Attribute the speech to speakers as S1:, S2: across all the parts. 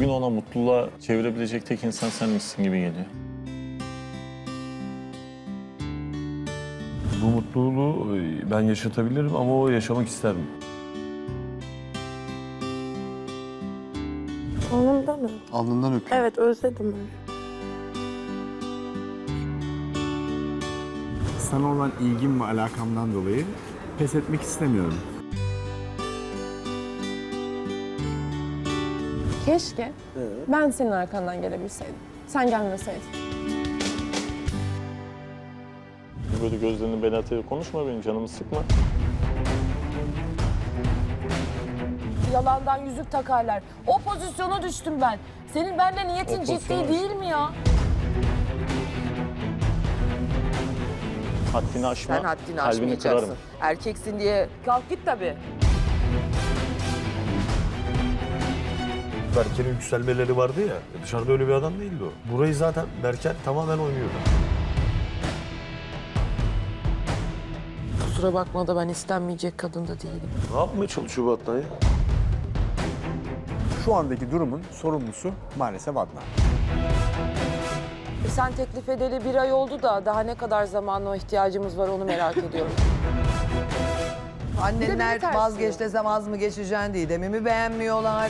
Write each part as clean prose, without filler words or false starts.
S1: Bugün ona mutluluğa çevirebilecek tek insan sen misin gibi geliyor.
S2: Bu mutluluğu ben yaşatabilirim ama o yaşamak ister mi?
S3: Alnımdan öp.
S4: Alnından öpeyim.
S3: Evet, özledim onu.
S5: Sana olan ilgim ve alakamdan dolayı pes etmek istemiyorum.
S6: Keşke ben senin arkandan gelebilseydim. Sen gelmeseydin.
S1: Böyle gözlerini belerterek konuşma, benim canımı sıkma.
S7: Yalandan yüzük takarlar. O pozisyona düştüm ben. Senin bende niyetin
S1: O
S7: ciddi
S1: pozisyona
S7: değil mi ya?
S1: Haddini aşma,
S8: Sen haddini
S1: kalbini
S8: aşmayacaksın.
S1: kırarım.
S8: Erkeksin diye kalk git tabii.
S2: Berker'in yükselmeleri vardı ya, dışarıda öyle bir adam değildi o. Burayı zaten Berker tamamen oynuyordu.
S8: Kusura bakma da ben istenmeyecek kadın da değilim.
S2: Ne yapmaya çalışıyor bu Adnan ya?
S5: Şu andaki durumun sorumlusu maalesef Adnan.
S8: Sen teklif edeli 1 ay oldu da daha ne kadar zamana ihtiyacımız var onu merak ediyorum.
S9: Annenler vazgeç desem az mı geçeceksin diye mi beğenmiyorlar?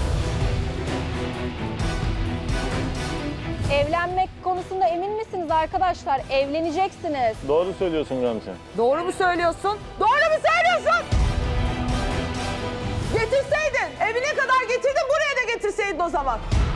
S10: Evlenmek konusunda emin misiniz arkadaşlar? Evleneceksiniz.
S1: Doğru söylüyorsun Gamze.
S8: Doğru mu söylüyorsun? Doğru mu söylüyorsun? Getirseydin, evine kadar getirdin, buraya da getirseydin o zaman.